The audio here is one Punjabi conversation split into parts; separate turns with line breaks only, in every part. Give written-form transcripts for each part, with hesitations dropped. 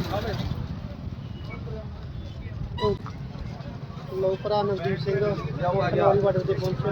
ਲੋ ਭਰਾ ਨਵਦੀਪ ਸਿੰਘ ਪਟਵਾਰੀ ਬਾਰਡਰ ਤੇ ਪਹੁੰਚੇ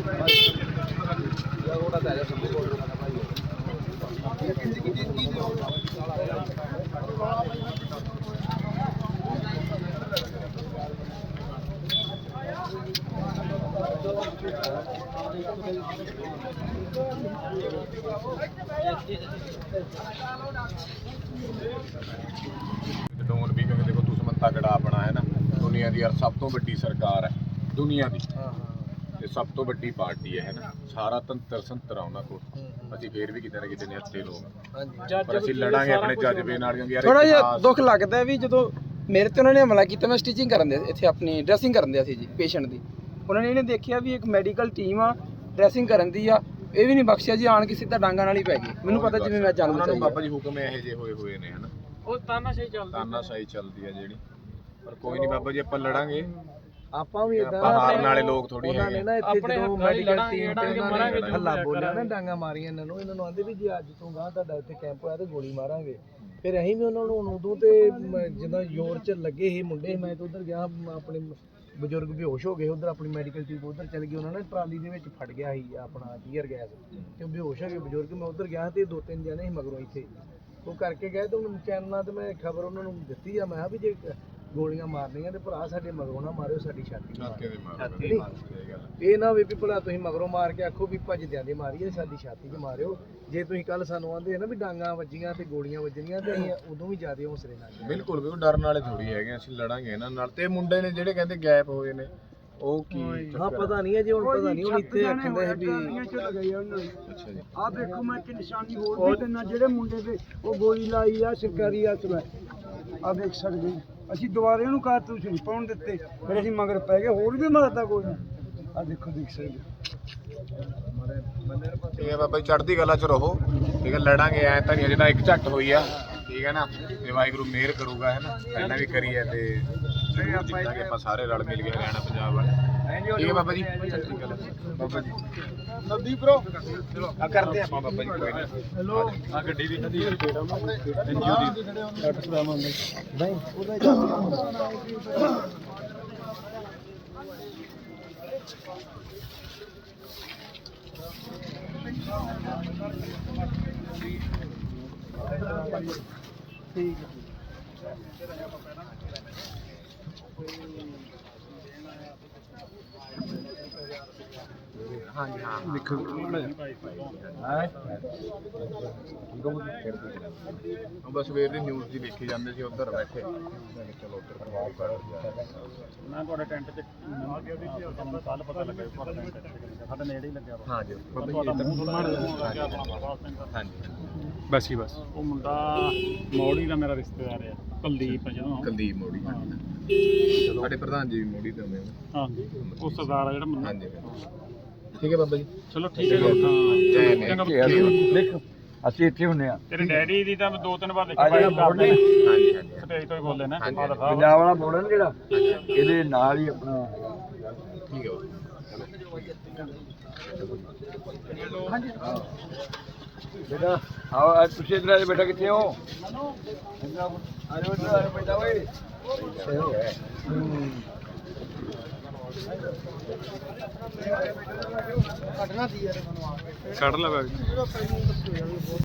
ਡੋਨ ਵੀ ਕਿਉਂਕਿ ਦੇਖੋ ਦੁਸ਼ਮਣ ਤਗੜਾ ਆਪਣਾ ਹੈ ਨਾ ਦੁਨੀਆ ਦੀ ਯਾਰ ਸਭ ਤੋਂ ਵੱਡੀ ਸਰਕਾਰ ਹੈ ਦੁਨੀਆ ਦੀ ਤੇ ਸਭ ਤੋਂ ਵੱਡੀ ਪਾਰਟੀ ਹੈ ਨਾ ਸਾਰਾ ਤੰਤਰ ਸੰਤਰ ਆ ਉਹਨਾਂ ਕੋਲ ਅਸੀਂ ਫੇਰ ਵੀ ਕਿਤੇ ਨਾ ਕਿਤੇ ਨੇ ਹੱਥੇ ਲੋਕ ਪਰ ਅਸੀਂ ਲੜਾਂਗੇ ਆਪਣੇ ਜਜ਼ਬੇ ਨਾਲ ਕਿਉਂਕਿ ਯਾਰ
ਥੋੜਾ ਜਿਹਾ ਦੁੱਖ ਲੱਗਦਾ ਵੀ ਜਦੋਂ ਮੇਰੇ ਤੇ ਉਹਨਾਂ ਨੇ ਹਮਲਾ ਕੀਤਾ ਮੈਂ ਸਟਿਚਿੰਗ ਕਰਨ ਦੇ ਇੱਥੇ ਆਪਣੀ ਡਰੈਸਿੰਗ ਕਰਨ ਦੇ ਸੀ ਜੀ ਪੇਸ਼ੈਂਟ ਦੀ ਉਹਨਾਂ ਨੇ ਇਹਨੇ ਦੇਖਿਆ ਵੀ ਇੱਕ ਮੈਡੀਕਲ ਟੀਮ ਆ ਡਰੈਸਿੰਗ ਕਰਨ ਦੀ ਆ ਇਹ ਵੀ ਨਹੀਂ ਬਖਸ਼ਿਆ ਜੀ ਆਣ ਕੇ ਸਿੱਧਾ ਡਾਂਗਾ ਨਾਲ ਹੀ ਪੈ ਗਏ ਮੈਨੂੰ ਪਤਾ ਜਿਵੇਂ ਮੈਂ ਜਾਣੂ
ਉਹਨਾਂ ਨੂੰ ਬਾਬਾ ਜੀ ਹੁਕਮ ਇਹੋ ਜਿਹੇ ਹੋਏ ਨੇ ਹਨਾ
ਉਹ ਤਾਨਾਸ਼ਾਹੀ
ਚੱਲਦੀ ਆ ਜਿਹੜੀ ਪਰ ਕੋਈ ਨਹੀਂ ਬਾਬਾ ਜੀ ਆਪਾਂ ਲੜਾਂਗੇ
ਆਪਾਂ ਵੀ
ਆਪਾਂ ਹਾਰਨ ਵਾਲੇ ਲੋਕ ਥੋੜੀ
ਉਹਨਾਂ ਨੇ
ਹੈਗੇ
ਨਾ ਇੱਥੇ ਜਦੋਂ ਮੈਡੀਕਲ ਟੀਮ ਤੇ ਉਹਨਾਂ ਨੇ ਹੱਲਾ ਬੋਲਿਆ ਨਾ ਡਾਂਗਾ ਮਾਰੀਆਂ ਇਹਨਾਂ ਨੂੰ ਆਂਦੇ ਵੀ ਜੇ ਅੱਜ ਤੋਂ ਗਾਂ ਤੁਹਾਡਾ ਇੱਥੇ ਕੈਂਪ ਹੋਇਆ ਤੇ ਗੋਲੀ ਮਾਰਾਂਗੇ ਫਿਰ ਅਸੀਂ ਵੀ ਉਹਨਾਂ ਨੂੰ ਉਦੋਂ ਤੇ ਜਦੋਂ ਜ਼ੋਰ ਚ ਲੱਗੇ ਸੀ ਮੁੰਡੇ ਮੈਂ ਤਾਂ ਉਧਰ ਗਿਆ ਆਪਣੇ ਬਜ਼ੁਰਗ ਬੇਹੋਸ਼ ਹੋ ਗਏ ਉਧਰ ਆਪਣੀ ਮੈਡੀਕਲ ਟੀਮ ਉਧਰ ਚਲ ਗਈ ਉਹਨਾਂ ਨੇ ਟਰਾਲੀ ਦੇ ਵਿੱਚ ਫੜ ਗਿਆ ਸੀ ਆਪਣਾ ਟੀਅਰ ਗੈਸ ਤੇ ਬੇਹੋਸ਼ ਹੋ ਗਏ ਬਜ਼ੁਰਗ ਮੈਂ ਉਧਰ ਗਿਆ ਤੇ 2-3 ਜਣੇ ਸੀ ਮਗਰੋਂ ਇੱਥੇ ਉਹ ਕਰਕੇ ਗਏ ਤੇ ਹੁਣ ਚੈਨਲਾਂ ਤੇ ਮੈਂ ਖਬਰ ਉਹਨਾਂ ਨੂੰ ਦਿੱਤੀ ਆ ਮੈਂ ਕਿਹਾ ਵੀ ਜੇ ਗੋਲੀਆਂ ਮਾਰਨੀਆਂ ਤੇ ਭਰਾ ਸਾਡੇ ਮਗਰੋਂ ਨਾ ਮਾਰਿਓ ਸਾਡੀ ਛਾਤੀ ਇਹ ਨਾ ਵੀ ਭਲਾ ਤੁਸੀਂ ਮਗਰੋਂ ਮਾਰ ਕੇ ਆਖੋ ਵੀ ਭੱਜਦਿਆਂ ਦੇ ਮਾਰੀਏ ਸਾਡੀ ਛਾਤੀ 'ਚ ਮਾਰਿਓ ਜੇ ਤੁਸੀਂ ਕੱਲ ਸਾਨੂੰ ਆਂਦੇ ਨਾ ਵੀ ਡਾਂਗਾ ਵੱਜੀਆਂ ਤੇ ਗੋਲੀਆਂ ਵੱਜਣੀਆਂ ਤੇ ਅਸੀਂ ਉਦੋਂ ਵੀ ਜ਼ਿਆਦਾ ਹੌਸਲੇ ਨਾਲ
ਬਿਲਕੁਲ ਡਰਨ ਵਾਲੇ ਥੋੜੀ ਹੈਗੇ ਅਸੀਂ ਲੜਾਂਗੇ ਇਹਨਾਂ ਨਾਲ ਤੇ ਮੁੰਡੇ ਨੇ ਜਿਹੜੇ ਕਹਿੰਦੇ ਗੈਪ ਹੋਏ ਨੇ ਉਹ ਕੀ
ਹਾਂ ਪਤਾ ਨਹੀਂ ਹੈ ਜੀ ਹੁਣ ਪਤਾ ਨਹੀਂ ਹੁਣ ਇੱਥੇ ਆਖਦੇ ਵੀ
ਅੱਛਾ ਜੀ
ਆਹ ਦੇਖੋ ਮੈਂ ਕਿ ਨਿਸ਼ਾਨੀ ਹੋਰ ਵੀ ਦਿੰਦਾ ਜਿਹੜੇ ਮੁੰਡੇ ਤੇ ਉਹ ਗੋਲੀ ਲਾਈ ਆ ਸਰਕਾਰੀ ਹੱਥ ਮੈਂ ਆ ਦੇਖ ਸਕਦੇ ਅਸੀਂ ਦੁਬਾਰੇ ਉਹਨੂੰ ਕਾਰਤੂਸ ਨਹੀਂ ਪਾਉਣ ਦਿੱਤੇ ਫਿਰ ਅਸੀਂ ਮਗਰ ਪੈ ਗਏ ਹੋਰ ਵੀ ਮਾਰਦਾ ਕੋਈ ਆ ਦੇਖੋ ਦੇਖ ਸਕਦੇ
ਠੀਕ ਹੈ ਬਾਬਾ ਜੀ ਚੜ੍ਹਦੀ ਕਲਾ 'ਚ ਰਹੋ ਠੀਕ ਹੈ ਲੜਾਂਗੇ ਐ ਤਾਂ ਨਹੀਂ ਜਿਹੜਾ ਇੱਕ ਝੱਟ ਹੋਈ ਆ ਠੀਕ ਹੈ ਨਾ ਤੇ ਵਾਹਿਗੁਰੂ ਮਿਹਰ ਕਰੂਗਾ ਹੈ ਨਾ ਪਹਿਲਾਂ ਵੀ ਕਰੀ ਹੈ ਤੇ ਜਿੱਤਾਂਗੇ ਆਪਾਂ ਸਾਰੇ ਰਲ ਮਿਲ ਕੇ ਹਰਿਆਣਾ ਪੰਜਾਬ ਵਾਲੇ ਠੀਕ ਹੈ ਬਾਬਾ ਜੀ ਚੜ੍ਹਦੀ ਕਲਾ ਬਾਬਾ ਜੀ
ਨਵਦੀਪ ਬ్రో
ਚਲੋ ਆ ਕਰਦੇ ਆਪਾਂ ਬਾਬਾ ਜੀ ਕੋਈ ਨਹੀਂ
ਹੈਲੋ
ਆ ਗੱਡੀ ਦੀ ਖੜੀ ਹੈ
ਐਨਜੀਓ ਦੀ ਡਾਕਟਰ ਸਾਹਿਬ ਆਉਂਦੇ ਨਹੀਂ ਉਹਦਾ ਠੀਕ ਹੈ
ਹਾਂਜੀ ਹਾਂ
ਦੇਖੋ
ਬਸ ਸਵੇਰ ਦੀ ਨਿਊਜ਼ ਦੀ ਦੇਖੀ ਜਾਂਦੇ ਸੀ ਉੱਧਰ ਬੈਠੇ ਚਲੋ ਉੱਧਰ ਪ੍ਰਭਾਵ ਕਰ
ਮੈਂ ਤੁਹਾਡੇ ਟੈਂਟ 'ਚ ਆ ਗਿਆ ਵੀ ਤੁਹਾਨੂੰ ਕੱਲ ਪਤਾ ਲੱਗਿਆ ਤੁਹਾਡਾ ਟੈਂਟ ਸਾਡੇ ਨੇੜੇ ਹੀ ਲੱਗਿਆ ਵਾ
ਹਾਂਜੀ
ਤੁਹਾਡਾ ਮੂੰਹ ਸੁਣਨ ਲੱਗਿਆ ਆਪਣਾ ਬਾਬਾ ਸਿੰਘ ਦਾ
ਹਾਂਜੀ
ਬਸ ਹੀ ਬਸ ਉਹ ਮੁੰਡਾ ਮੌੜੀ ਦਾ ਮੇਰਾ ਰਿਸ਼ਤੇਦਾਰ ਆ ਕੁਲਦੀਪ ਜਦੋਂ
ਕੁਲਦੀਪ ਮੋੜੀ ਸਾਡੇ ਪ੍ਰਧਾਨ ਜੀ ਵੀ ਮੋੜੀ ਤੋਂ ਆਉਂਦੇ
ਹਾਂ ਉਹ ਸਰਦਾਰ ਆ ਜਿਹੜਾ ਮੁੰਡਾ
ਹਾਂਜੀ ਠੀਕ ਹੈ ਬਾਬਾ ਜੀ
ਚਲੋ ਠੀਕ ਹੈ ਜੀ ਚੰਗਾ
ਦੇਖ ਅਸੀਂ ਇੱਥੇ ਹੁੰਨੇ ਆ
ਤੇਰੇ ਡੈਡੀ ਦੀ ਤਾਂ 2-3 ਵਾਰ ਦੇਖੀ
ਜਿਹੜਾ ਬੋਰਡ ਨੇ
ਹਾਂਜੀ ਹਾਂਜੀ
ਸਟੇਜ ਤੋਂ ਹੀ ਬੋਲਦੇ ਨੇ
ਹਾਂਜੀ,
ਫਾਦਰ ਸਾਹਿਬ
ਪੰਜਾਬ ਵਾਲਾ ਬੋਰਡ ਨੇ ਜਿਹੜਾ ਇਹਦੇ ਨਾਲ ਹੀ ਆਪਣਾ
ਠੀਕ ਹੈ
ਹਾਂਜੀ ਬੇਟਾ ਆਓ ਤੁਸੀਂ ਇਧਰ ਆ ਬੇਟਾ ਕਿੱਥੇ ਹੋ ਆਜੋ ਇਧਰ ਆ ਬੇਟਾ ਓਏ
ਕੱਢ ਲੈ ਬੈਗ